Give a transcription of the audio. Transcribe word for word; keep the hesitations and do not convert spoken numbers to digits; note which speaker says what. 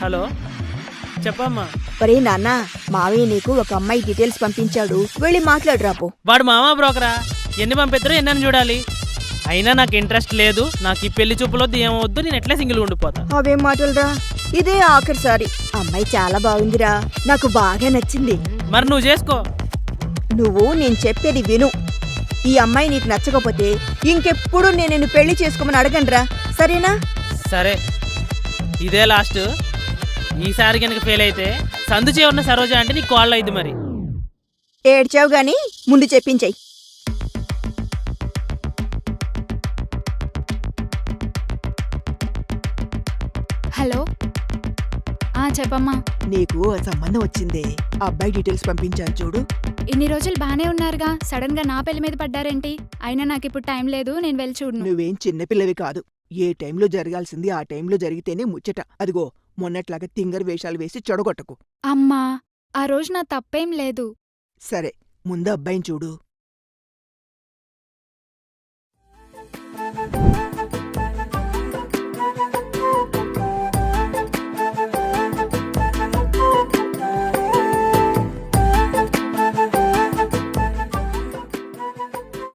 Speaker 1: Hello చెప్పమ్మా.
Speaker 2: ఒరే నాన్న, మావయ్య నీకు ఒక అమ్మాయి డీటెయిల్స్ పంపించాడు, వెళ్ళి మాట్లాడురాపో.
Speaker 1: వాడు మామా బ్రోకరా, ఎన్ని పంపిద్దరో ఎన్నని చూడాలి. అయినా నాకు ఇంట్రెస్ట్ లేదు, నాకు ఈ పెళ్లి చూపులొద్దు ఏమవద్దు, నేను ఎట్లా సింగిల్ ఉండిపోతా.
Speaker 2: అవేం మాటలురా, ఇదే ఆఖరిసారి. అమ్మాయి చాలా బాగుందిరా, నాకు బాగా నచ్చింది.
Speaker 1: మరి నువ్వు చేసుకో.
Speaker 2: నువ్వు నేను చెప్పేది విను. ఈ అమ్మాయి నీకు నచ్చకపోతే ఇంకెప్పుడు నేను నిన్ను పెళ్లి చేసుకోమని అడగండ్రా, సరేనా?
Speaker 1: సరే, ఇదే లాస్ట్. ఈసారి కనుక ఫెయిల్ అయితే సందు ఉన్న సరోజ అంటే నీకు కాల్ అయింది. మరి
Speaker 2: ఏడ్చావు గాని ముందు చెప్పించాయి.
Speaker 3: హలో, ఆ చెప్పమ్మా.
Speaker 2: నీకు ఆ సంబంధం వచ్చిందే, ఆ అబ్బాయి డీటెయిల్స్ పంపించాను చూడు.
Speaker 3: ఇన్ని రోజులు బానే ఉన్నారుగా, సడన్ గా నా పెళ్లి మీద పడ్డారేంటి? అయినా నాకిప్పుడు టైం లేదు, నేను వెళ్ళి చూడను.
Speaker 2: నువ్వేం చిన్నపిల్లవి కాదు, ఏ టైంలో జరగాల్సింది ఆ టైంలో జరిగితేనే ముచ్చట. అదిగో మొన్నట్లాగా తింగర్ వేషాలు వేసి చెడగొట్టకు.
Speaker 3: అమ్మా, ఆ రోజు నా తప్పేం లేదు.
Speaker 2: సరే, ముందు అబ్బాయిని చూడు.